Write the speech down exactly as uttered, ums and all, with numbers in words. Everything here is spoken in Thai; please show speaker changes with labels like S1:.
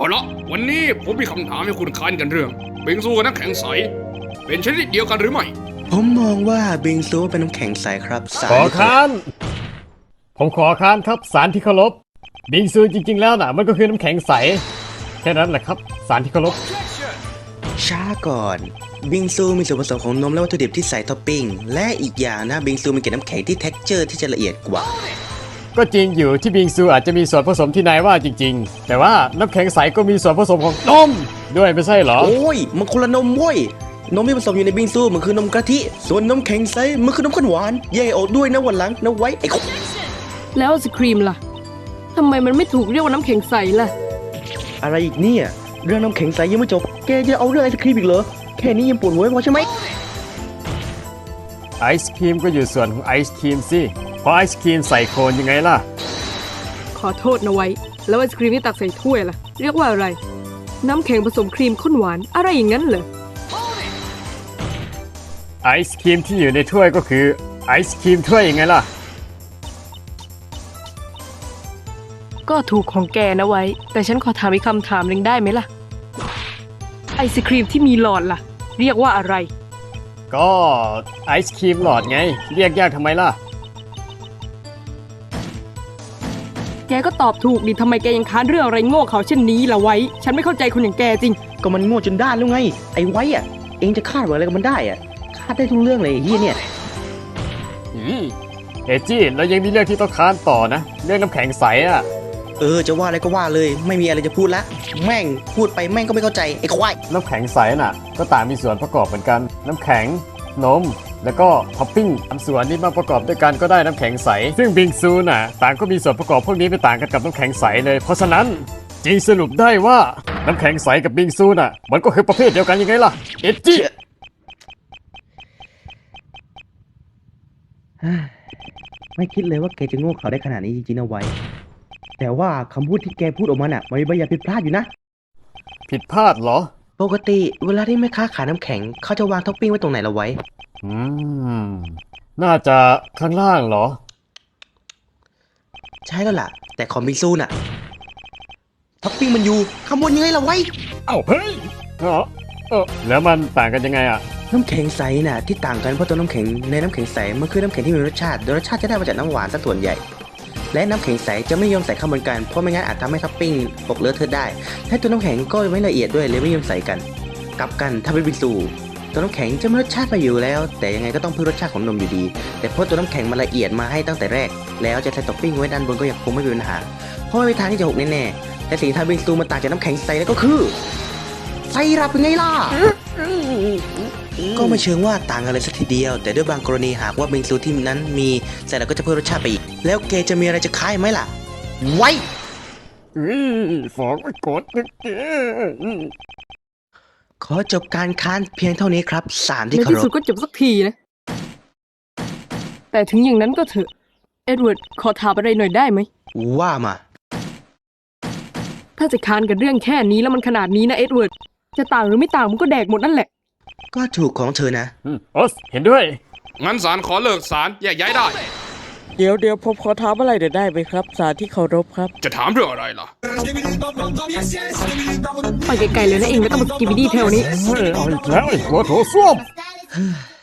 S1: ละวันนี้ผมมีคำถามให้คุณค้านกันเรื่องบิงซูกับน้ำแข็งใสเป็นชนิดเดียวกันหรือไม่
S2: ผมมองว่าบิงซูเป็นน้ำแข็งใสครับสาร
S3: ขอค้านผมขอค้านครับสารที่เคารพบิงซูจริงๆแล้วน่ะมันก็คือน้ำแข็งใสแค่นั้นแหละครับสารที่เคารพ
S2: ช้าก่อนบิงซูมีส่วนผสมของนมและวัตถุดิบที่ใส่ท็อปปิ้งและอีกอย่างนะบิงซูมีเกล็ดน้ำแข็งที่เท็กเจอร์ที่จะละเอียดกว่า
S3: ก็จริงอยู่ที่บิงซูอาจจะมีส่วนผสมที่นายว่าจริงๆแต่ว่าน้ำแข็งใสก็มีส่วนผสมของนมด้วยไม่ใช่เหรอ
S2: โอ้ยมันคนละนมเว้ยนมที่ผสมอยู่ในบิงซูมันคือนมกะทิส่วนนมแข็งใสมันคือนมข้นหวานแยกออกด้วยนะวันหลังนะไว้ไอ้
S4: แล้วไอศครีมล่ะทำไมมันไม่ถูกเรียกว่าน้ำแข็งใสล่ะ
S2: อะไรอีกเนี่ยเรื่องน้ำแข็งใสยังไม่จบแกจะเอาเรื่องไอศครีมอีกเหรอแค่นี้ยังปวดหัวไม่พอใช่ไหม
S3: ไอศครีมก็อยู่ส่วนของไอศครีมสิเพราะไอศครีมใส่โคนยังไงล่ะ
S4: ขอโทษนะไว้แล้วไอศครีมที่ตักใส่ถ้วยล่ะเรียกว่าอะไรน้ำแข็งผสมครีมข้นหวานอะไรอย่างนั้นเหรอ
S3: ไอศครีมที่อยู่ในถ้วยก็คือไอศครีมถ้วยยังไงล่ะ
S4: ก็ถูกของแกนะไว้แต่ฉันขอถามอีกคำถามหนึ่งได้ไหมล่ะไอศครีมที่มีหลอดล่ะเรียกว่าอะไร
S3: ก็ไอศครีมหลอดไงเรียกยากทำไมล่ะ
S4: แกก็ตอบถูกดิทำไมแกยังค้านเรื่องอะไรโง่เขาเช่นนี้ล่ะไว้ฉันไม่เข้าใจคนอย่างแกจริง
S2: ก็มันโง่จนด้านแล้วไงไอ้ไว้อะเองจะคาดหวังอะไรกับมันได้อะคาดได้ทุกเรื่องเลยไอ้เฮียเนี่ย
S3: อืมเอจี้แล้วยังมีเรื่องที่ต้องค้านต่อนะเรื่องน้ำแข็งใสอ่ะ
S2: เออจะว่าอะไรก็ว่าเลยไม่มีอะไรจะพูดละแม่งพูดไปแม่งก็ไม่เข้าใจไอ้ควาย
S3: น้ำแข็งใสน่ะก็ต่างมีส่วนประกอบเหมือนกันน้ำแข็งนมแล้วก็ท็อปปิ้งทำส่วนนี้มาประกอบด้วยกันก็ได้น้ำแข็งใสซึ่งบิงซูน่ะต่างก็มีส่วนประกอบพวกนี้ไม่ต่างกันกับน้ำแข็งใสเลยเพราะฉะนั้นจริงสรุปได้ว่าน้ำแข็งใสกับบิงซูน่ะมันก็คือประเภทเดียวกันยังไงล่ะเอจี้
S2: ไม่คิดเลยว่าแกจะโง่เขาได้ขนาดนี้จริงๆนะไว้แต่ว่าคำพูดที่แกพูดออกมาน่ะมันมีบางอย่างผิดพลาดอยู่นะ
S3: ผิดพลาดเหรอ
S2: ปกติเวลาที่แม่ค้าขายน้ำแข็งเขาจะวางท็อปปิ้งไว้ตรงไหนละไว้
S3: อืมน่าจะข้างล่างเหรอ
S2: ใช่แล้วล่ะแต่ของบิงซูน่ะท็อปปิ้งมันอยู่ข้างบนยังไงล่ะไว้
S3: เอ้าเฮ้ยเออเออแล้วมันต่างกันยังไงอ่ะ
S2: น้ำแข็งใสน่ะที่ต่างกันเพราะตัวน้ำแข็งในน้ำแข็งใสมันคือน้ำแข็งที่มีรสชาติโดยรสชาติจะได้มาจากน้ำหวานซะส่วนใหญ่และน้ำแข็งใสจะไม่ยอมใส่เข้าบนกันเพราะไม่งั้นอาจทำให้ท็อปปิ้งตกเลอะเทอะได้และตัวน้ำแข็งก็ไม่ละเอียดด้วยเลยไม่ยอมใส่กันกลับกันถ้าเป็นบิงซูตัวน้ำแข็งจะมีรสชาติไปอยู่แล้วแต่ยังไงก็ต้องเพิ่มรสชาติของนมอยู่ดีแต่เพราะตัวน้ำแข็งมันละเอียดมาให้ตั้งแต่แรกแล้วจะใส่ท็อปปิ้งไว้ด้านบนก็ยังคงไม่มีปัญหาเพราะไม่มีทางที่จะหกแน่ๆแต่สิ่งที่ทำบิงซูมันต่างจากน้ำแข็งใสแล้วก็คือไซรัปเป็นไงล่ะก็ไม่เชิงว่าต่างกันเลยสักทีเดียวแต่ด้วยบางกรณีหากว่าบิงซูที่นั้นมีใส่แล้วก็จะเพิ่มรสชาติไปอีกแล้วแกจะมีอะไรจะคายไหมล่ะไว้
S3: ฝากไว้กดนะแก
S2: ขอจบการค้านเพียงเท่านี้ครับสารที่
S4: ใน
S2: เคารพ
S4: ที่สุดก็จบสักทีนะแต่ถึงอย่างนั้นก็เถอะเอ็ดเวิร์ดขอถามอะไรหน่อยได้ไหม
S2: ว่ามา
S4: ถ้าจะค้านกันเรื่องแค่นี้แล้วมันขนาดนี้นะเอ็ดเวิร์ดจะต่างหรือไม่ต่างมันก็แดกหมดนั่นแหละ
S2: ก็ถูกของเธอนะ
S3: โอสเห็นด้วย
S1: งั้นศาลขอเลิกศาลแยกย้ายได้
S5: เดี๋ยวเดี๋ยวผมขอถามอะไรเดี๋ยวได้ไหมครับศาลที่เคารพครับ
S1: จะถามเรื่องอะไรล่ะ
S4: ไปไกลๆเลยนะเองไม่ต้องมากินวิดีแถวนี้
S3: เฮ้ยเอาอีกแล้วไอ้หัวโถส้วม